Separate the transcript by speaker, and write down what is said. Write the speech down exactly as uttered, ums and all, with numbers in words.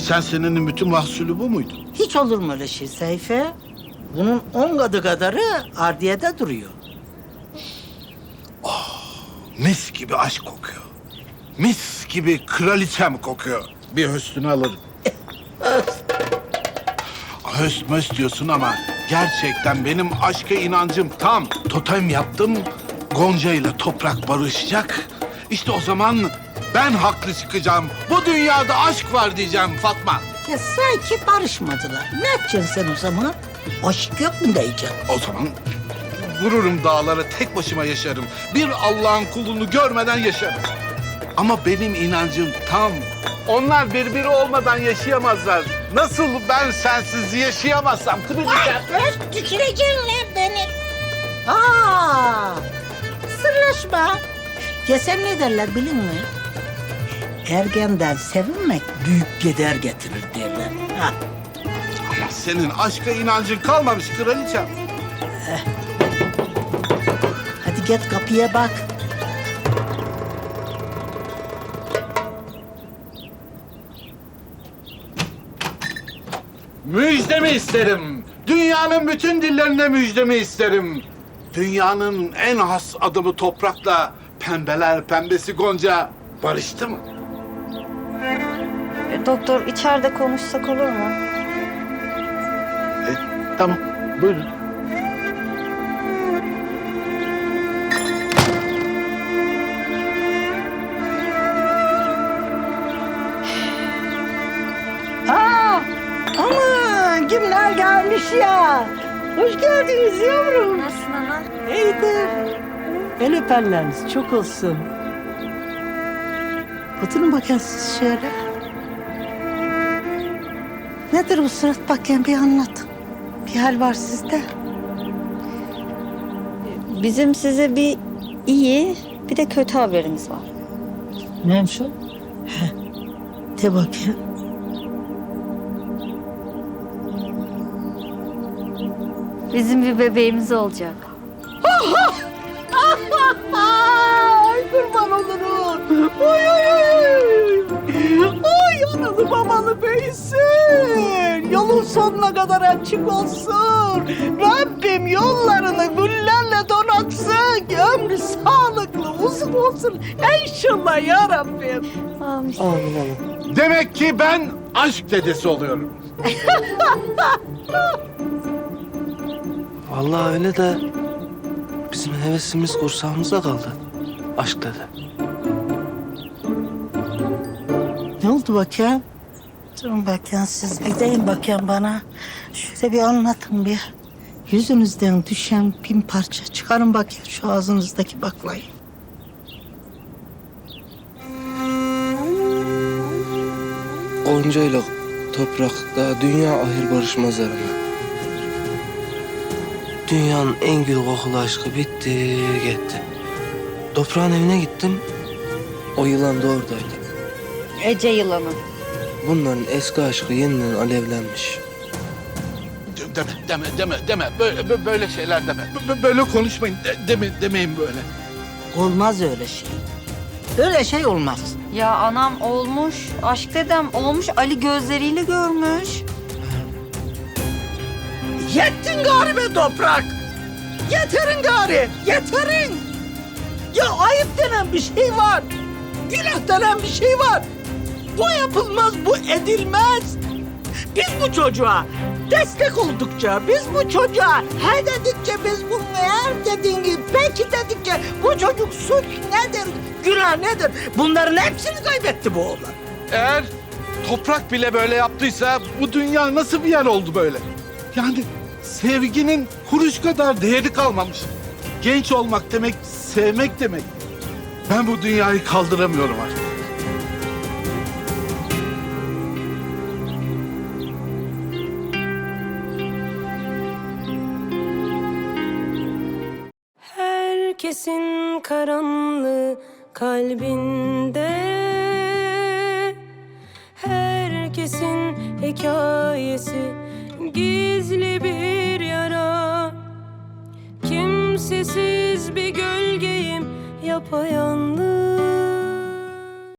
Speaker 1: Geçen senenin bütün mahsulü bu muydu?
Speaker 2: Hiç olur mu öyle şey Seyfe? Bunun on katı kadarı ardiyede duruyor.
Speaker 1: Mis gibi aşk kokuyor. Mis gibi kraliçem kokuyor. Bir höstünü alırım. Höst möst diyorsun ama gerçekten benim aşka inancım tam. Totem yaptım, Gonca ile toprak barışacak. İşte o zaman ben haklı çıkacağım. Bu dünyada aşk var diyeceğim Fatma.
Speaker 2: Ya sanki barışmadılar. Ne yapacaksın sen o zaman? Aşk yok mu diyeceksin?
Speaker 1: O zaman vururum dağlara, tek başıma yaşarım. Bir Allah'ın kulunu görmeden yaşarım. Ama benim inancım tam. Onlar birbiri olmadan yaşayamazlar. Nasıl ben sensiz yaşayamazsam kraliçem?
Speaker 2: Öz tüküreceksin lan beni. Aa, sırlaşma. Yesem ne derler bilin mi? Ergenden sevinmek büyük keder getirir derler. Ha.
Speaker 1: Ama senin aşka inancın kalmamış kraliçem.
Speaker 2: Hadi git kapıya bak.
Speaker 1: Müjdemi isterim. Dünyanın bütün dillerinde müjdemi isterim. Dünyanın en has adamı toprakla pembeler pembesi Gonca barıştı mı?
Speaker 3: E, doktor içeride konuşsak olur mu?
Speaker 1: E, tamam, buyurun.
Speaker 2: Aa, aman kimler gelmiş ya. Hoş geldiniz yavrum.
Speaker 3: Nasılsın ana?
Speaker 2: İyidir. El öperleriniz çok olsun. Oturun bakayım siz şöyle. Nedir bu surat bakayım bir anlatın. Bir hal var sizde.
Speaker 3: Bizim size bir iyi bir de kötü haberimiz var.
Speaker 2: Neymiş o? He. De bakayım.
Speaker 3: Bizim bir bebeğimiz olacak.
Speaker 2: Ay kurban olurum. Oy oy oy. Ay analı babalı büyüsün. Yolun sonuna kadar açık olsun. Rabbim yollarını güllerle donatsın. Ömrü sağlıklı uzun olsun. İnşallah ya Rabbim.
Speaker 3: Amin.
Speaker 1: Demek ki ben aşk dedesi oluyorum.
Speaker 4: Vallahi öyle de bizim hevesimiz kursağımızda kaldı. Aşk dedi.
Speaker 2: Ne oldu bakayım? Durun bakayım siz gidin bakayım bana. Şöyle bir anlatın bir. Yüzünüzden düşen bin parça çıkarın bakayım şu ağzınızdaki baklayı.
Speaker 4: Gonca ile toprakta dünya ahir barışmaz arama. Dünyanın en gül kokulu aşkı bitti gitti. Toprağın evine gittim. O yılan da oradaydı.
Speaker 3: Ece yılanı.
Speaker 4: Bunların eski aşkı yeniden alevlenmiş.
Speaker 1: Deme, deme, deme, deme. Böyle, bö- böyle şeyler deme. Bö- Böyle konuşmayın. De- deme, demeyin böyle.
Speaker 2: Olmaz öyle şey. Öyle şey olmaz.
Speaker 3: Ya anam olmuş, aşk dedem olmuş, Ali gözleriyle görmüş.
Speaker 2: Yettin gari be toprak. Yeterin gari, yeterin. Ya ayıp denen bir şey var. Günah denen bir şey var. Bu yapılmaz, bu edilmez. Biz bu çocuğa destek oldukça, biz bu çocuğa he dedikçe, biz bunu eğer dediğin gibi peki dedikçe bu çocuk suç nedir, günah nedir? Bunların hepsini kaybetti bu oğlan.
Speaker 1: Eğer toprak bile böyle yaptıysa bu dünya nasıl bir yer oldu böyle? Yani sevginin kuruş kadar değeri kalmamış. Genç olmak demek, sevmek demek. Ben bu dünyayı kaldıramıyorum artık.
Speaker 5: Herkesin karanlığı kalbinde, herkesin hikayesi gizli bir yara. Kimsesiz bir gölgeyim, yapayalnız.